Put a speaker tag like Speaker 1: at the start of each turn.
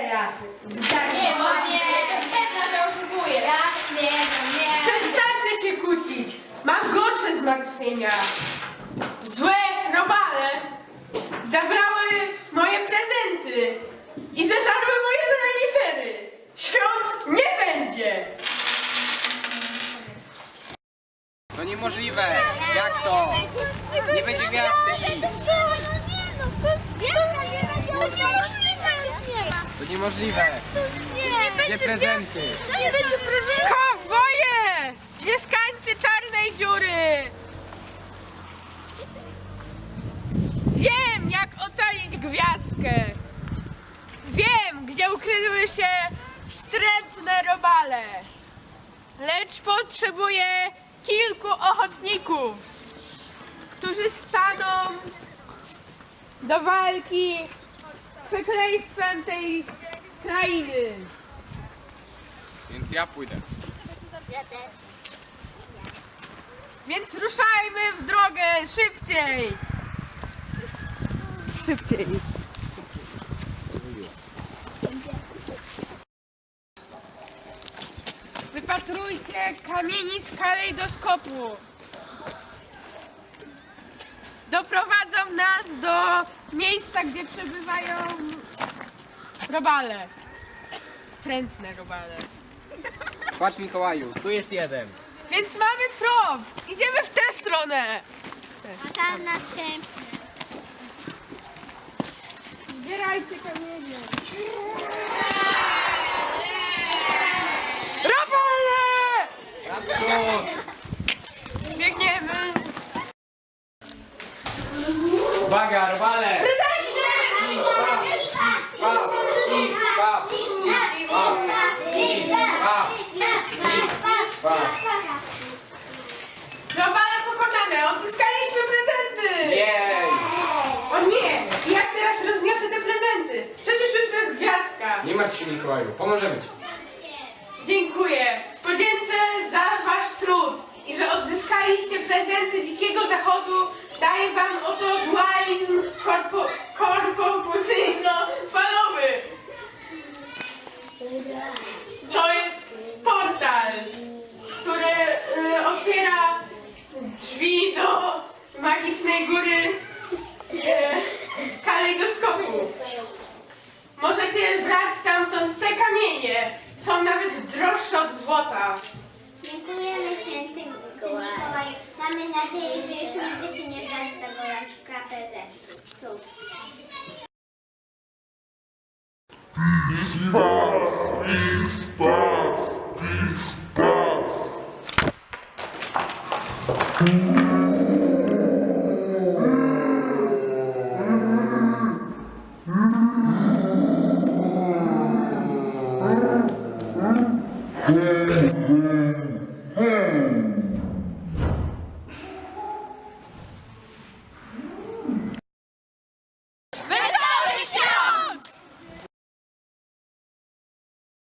Speaker 1: teraz zgadnij.
Speaker 2: Nie, no nie, pewna, że oszukuję.
Speaker 1: Ja nie wiem, nie.
Speaker 3: Przestańcie się kłócić! Mam gorsze zmartwienia. Złe robale zabrały moje prezenty i zeżarły moje renifery. Świąt nie będzie!
Speaker 4: To niemożliwe! Jak to? Nie będzie gwiazdy! To niemożliwe! Gdzie prezenty?
Speaker 2: Nie będzie prezentu.
Speaker 3: Kowboje! Mieszkańcy Czarnej Dziury! Wiem, jak ocalić gwiazdkę! Wiem, gdzie ukryły się wstrętne robale! Lecz potrzebuję kilku ochotników, którzy staną do walki z przekleństwem tej krainy.
Speaker 4: Więc ja pójdę.
Speaker 1: Ja też.
Speaker 3: Więc ruszajmy w drogę szybciej! Szybciej! Wypatrujcie kamieni z kalejdoskopu. Doprowadzą nas do miejsca, gdzie przebywają robale. Wstrętne robale.
Speaker 4: Patrz, Mikołaju, tu jest jeden.
Speaker 3: Więc mamy trop! Idziemy w tę stronę!
Speaker 1: A tam następny.
Speaker 3: Zbierajcie kamienie. Robale!
Speaker 4: Naprzód!
Speaker 3: Biegniemy!
Speaker 4: Uwaga, robale! Idź, pap! Idź, pap! Idź, pap! Idź, pap! Idź, pap!
Speaker 3: Robale pokonane! Odzyskaliśmy prezenty!
Speaker 4: Jej!
Speaker 3: O nie! I jak teraz rozniosę te prezenty? Przecież jutro jest gwiazdka!
Speaker 4: Nie martw się, Mikołaju, pomożemy ci.
Speaker 3: Dziękuję! Podziękuję za wasz trud i że odzyskaliście prezenty Dzikiego Zachodu. Daję wam oto dualizm korporacyjno-falowy. To jest portal, który otwiera drzwi do magicznej góry kalejdoskopu. Możecie brać stamtąd te kamienie. Są nawet droższe od złota.
Speaker 1: Dziękujemy święty Mikołaju. Mamy nadzieję, że już nigdy się nie zdarzy tego raczka prezentów.
Speaker 5: Peace, peace, peace.